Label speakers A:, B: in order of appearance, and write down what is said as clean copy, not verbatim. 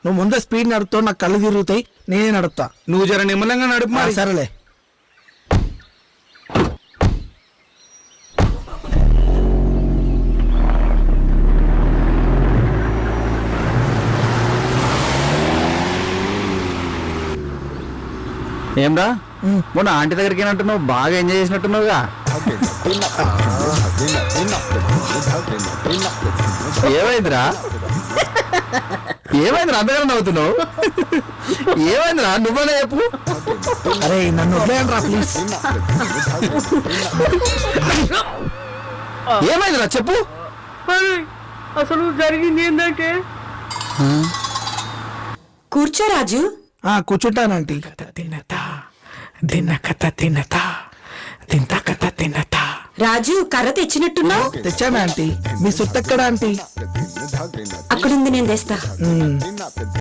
A: నువ్వు ముందే స్పీడ్ నడుపుతావు, నాకు కళ్ళు తిరుగుతాయి, నేనే నడుపుతా.
B: నువ్వు జర నిమ్మలంగా నడుపు మరి.
A: సరేలే.
B: ఏంరా మొన్న ఆంటీ దగ్గరికి ఏమంటున్నావు, బాగా ఎంజాయ్ చేసినట్టున్నావుగా. ఏమైందిరా ఏమైందిరా అంతగా నవ్వుతున్నావు? ఏమైందిరా నువ్వనే చెప్పు.
A: అరే నన్ను వదిలేయండిరా ప్లీజ్.
B: ఏమైందిరా చెప్పు.
C: అసలు జరిగింది ఏంటంటే,
D: కూర్చో రాజు.
A: కూర్చుంటానంటీ.
D: రాజు కర్ర తెచ్చినట్టున్నావు.
A: తెచ్చానా ఆంటీ? మీ సొత్తెక్కడ ఆంటీ?
D: అక్కడుంది, నేను తెస్తా.